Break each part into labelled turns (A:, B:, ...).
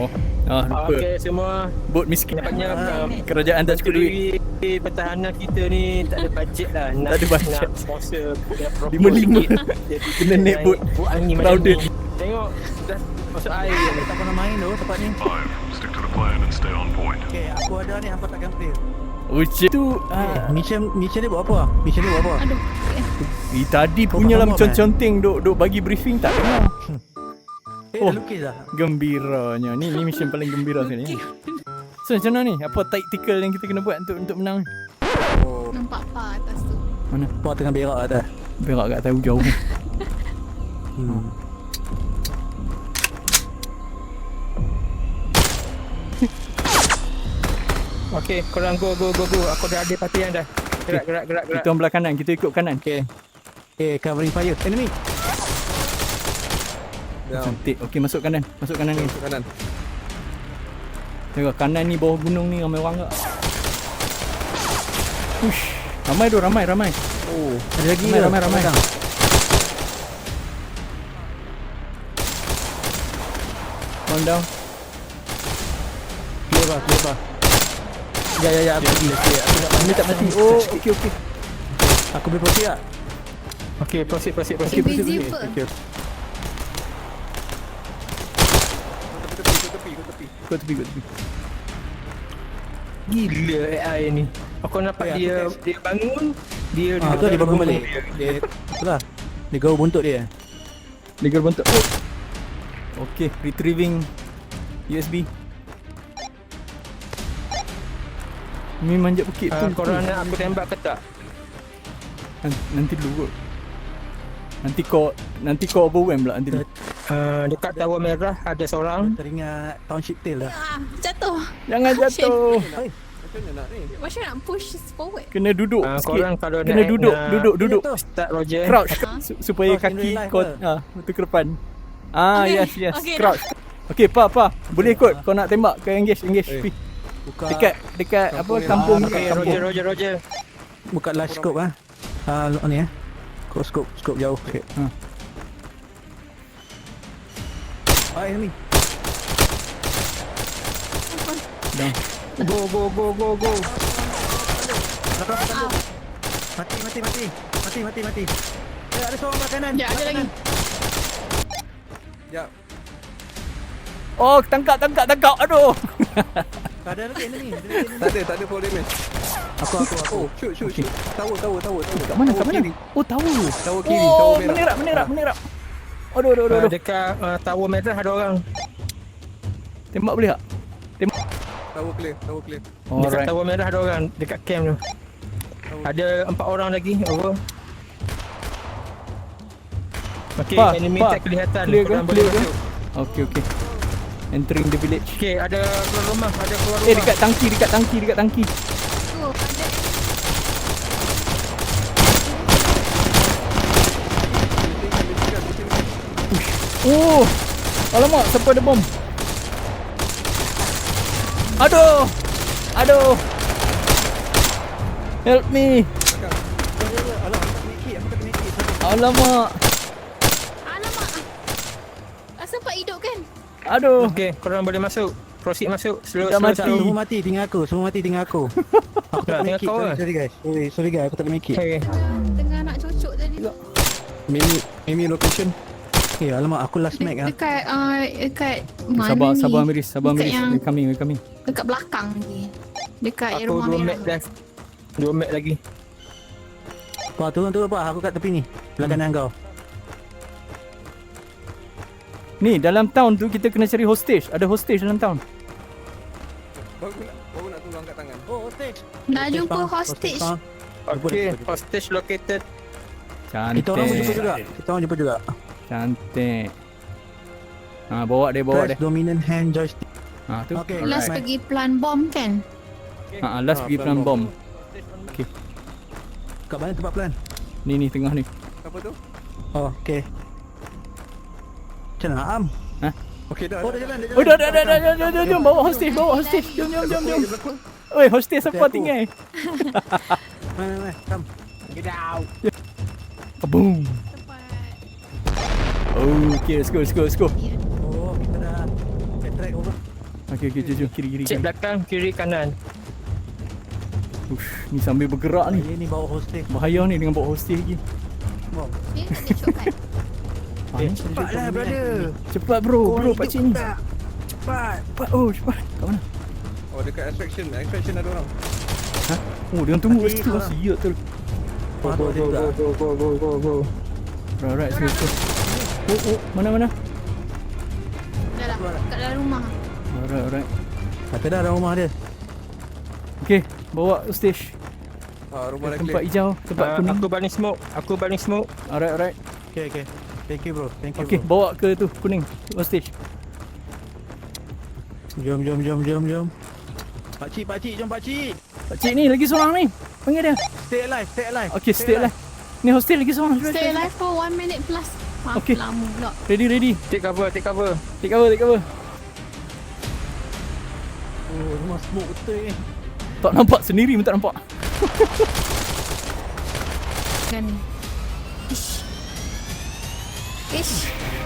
A: Lupa.
B: Okey semua.
A: Bot miskin.
B: Nampaknya
A: Kerajaan tak cukup duit.
B: Menteri Pertahanan kita ni tak ada bajet lah.
A: Tak ada bajet.
B: Nak sponsor boat yang proper
A: 5-5.
B: sikit.
A: Kena naik boat
B: angin
A: crowded.
B: macam ni. Tengok dah masuk air.
C: Tak pernah main tu tempat ni.
D: 5. Stick to the plan and stay on point.
C: Okay, aku ada ni, hampa takkan play.
A: Ucap tu
C: Mission ni buat apa? Mission ni buat apa?
E: Aduh.
A: tadi punya lah mencon-conteng duk bagi briefing tak dengar.
C: Dah lukis dah.
A: Gembiranya. Ni mission paling gembira sebenarnya. So macam mana ni? Apa tactical yang kita kena buat untuk menang ni?
E: Nampak apa atas tu?
A: Mana?
C: Puan tengah berak atas.
A: Berak kat tahu jauh.
B: Okey, korang go. Aku dah ada partian dah. Gerak.
A: Kita orang belah kanan, kita ikut kanan.
B: Okey.
C: Covering fire. Enemy.
A: Cantik. Okey, masuk kanan ni.
F: Masuk kanan.
A: Tengok kanan ni, bawah gunung ni ramai orang tak? Ush. Ramai.
C: Oh, ada lagi
A: Ramai. One down.
C: Clear bah. Ya, aku pergi.
A: Ini tak mati. Oh, okey.
C: Aku boleh proceed tak?
B: Okey, proceed.
E: Busy apa?
C: Okay.
A: Kau tepi.
B: Gila AI ni. Aku nampak dia bangun, dia
C: Tu dia bangun balik. Dia itulah. Dia gaul buntut dia.
A: Legal bentuk. Oh. Okey, retrieving USB. Ni manjat bukit tu.
B: korang nak aku tembak ke tak?
A: Nanti dulu kot. Nanti kau overwhelm pula nanti dulu.
B: Dekat Tower Merah ada seorang.
C: Teringat Township Tale dah.
E: Jatuh.
A: Jangan jatuh.
F: Macam mana nak ni?
E: Macam nak push forward?
A: Kena duduk
B: Korang
A: sikit.
B: kalau
A: Kena
B: nak
A: duduk.
B: Start Roger.
A: Crouch supaya
C: Crouch in
A: kaki
C: real life
A: kau
C: ke?
A: betul ke depan.
E: Okay.
A: Yes.
E: Okay,
A: Crouch. Okey, pa. Boleh ikut. Kau nak tembak ke engage. Pi.
C: Buka
A: Dekat apa kampung ni.
B: Okay, Roger.
C: buka large scope ah. Ni Kau scope jauh. Okay. Enemy.
A: Down.
B: Go.
C: Mati. Ada seorang belah kanan.
E: Ya, ada lagi.
F: Sekejap.
A: Oh, tangkap. Aduh.
C: Tak ada lagi enemy.
F: Tak ada fall damage.
C: Aku.
F: Oh, shoot. Tower.
A: Kat mana? Oh, tahu.
F: Tower kiri, tower merah.
A: Menerap. Aduh.
B: Dekat Tower Merah ada orang.
A: Tembak boleh tak?
F: Tower clear.
B: Dekat
A: Alright.
B: Tower Merah ada orang. Dekat camp tu. Ada 4 orang lagi. Over. Okey, enemy tak kelihatan.
A: Clear
B: Korang
A: ke?
B: boleh
A: Clear ke?
B: masuk.
A: Okey. Entering the village.
B: Okey, ada keluar rumah.
A: Dekat tangki.
E: Tu, ada.
A: Oh. Alamak, sampai ada bom. Aduh. Help me. Alamak.
E: Sempat hidup kan?
A: Aduh.
B: Okey, korang boleh masuk. Proceed masuk. Slow.
A: Dah mati.
C: Semua mati tinggal aku. Aku tak
B: Tinggal
C: make it.
B: kau lah.
C: Sorry guys. Sorry guys, aku tak boleh make it.
B: Okey.
E: Tengah nak cucuk tadi.
F: Mimi location.
C: Alamak, aku last mag ah.
E: Dekat mana ni?
A: Sabar Miris.
E: Dekat yang-
A: We're coming.
E: Dekat belakang ni. Dekat
B: Aku
E: rumah
B: 2
E: merah.
B: mat dah. 2 mat lagi.
C: Turun apa? Aku kat tepi ni. Belah kanan kau.
A: Ni dalam town tu kita kena cari hostage. Ada hostage dalam town.
F: Baru nak tunggu angkat tangan.
C: Oh, hostage.
E: Nak jumpa hostage.
B: Okey, hostage located.
C: Kita orang jumpa juga.
A: Cantik. Bawa dia.
C: Press dominant hand joystick.
A: Tu.
C: Okay.
E: Last
C: Alright.
E: pergi plan bom kan?
A: Last pergi plan bom.
C: Kat mana tempat plan?
A: Ni tengah ni.
F: Apa tu?
C: Oh, okay. Macam mana Am?
F: Okey dah.
C: Oh, dah jalan.
A: Oh, dah. Jom bawa hostage. Jom. Oi, hostage siapa
C: Aku.
A: tinggal?
C: Mana? Come.
A: Kaboom.
E: Tempat.
A: Oh, okay, let's go.
C: Oh, kita dah backtrack over.
A: Okey, jom kiri.
B: Cek belakang, kiri, kanan.
A: Ush, ni sambil bergerak ni.
C: Ni bawa hostel.
A: Bahaya ni dengan bawa hostel lagi.
E: Ni tak ada shortcut.
C: Cepatlah brother.
A: Cepat bro, pakcik ni.
C: Cepat.
A: Cepat, oh cepat. Kat mana?
F: Oh, dekat extraction. Extraction ada orang.
A: Ha? Oh, dia tunggu
C: Tadi
A: situ.
C: orang.
A: Siap tu.
B: Go.
A: Alright, siap. Oh, mana?
E: Dah lah. Kat dalam rumah.
A: Alright.
C: Kata dah dalam rumah dia.
A: Okey, bawa stage.
F: Rumah dah
A: Tempat
F: clear.
A: hijau, tempat kuning.
B: Aku baling smoke.
A: Alright.
C: Okay. Thank you bro.
A: Okey, bawa ke tu kuning. Stage.
C: Jom. Pakcik, jom pakcik.
A: Pakcik ni lagi seorang ni. Panggil dia.
C: Stay alive.
A: Okey, stay lah. Ni hostel lagi seorang.
E: Stay alive for 1 minute plus.
A: Okay.
E: Lama pula.
A: Ready.
B: Take cover.
A: Take cover.
C: Oh, rumah smoke betul ni.
A: Tak nampak sendiri pun tak nampak.
E: Kan ni. Ish.
A: Ush.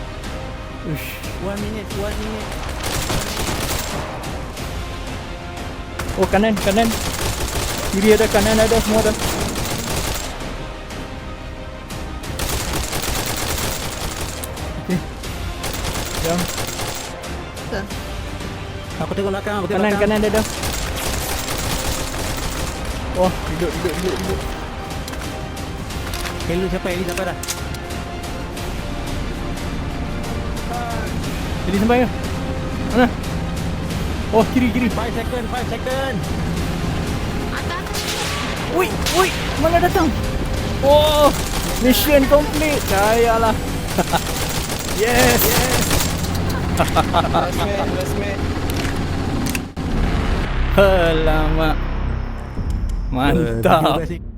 C: 1 minute.
A: Oh, kanan. Kiri ada, kanan ada, semua ada. Okey. Jom.
E: Ke?
C: Aku tengok belakang.
A: Kanan ada. Oh, duduk.
C: Heli sampai dah.
A: Jadi sampai ke? Mana? Oh, kiri.
C: 5 second.
E: Atas.
A: Woi, mana datang? Oh, mission complete. Kayalah. Yes.
F: Last man.
A: Alamak. Mantap.
C: Terima kasih.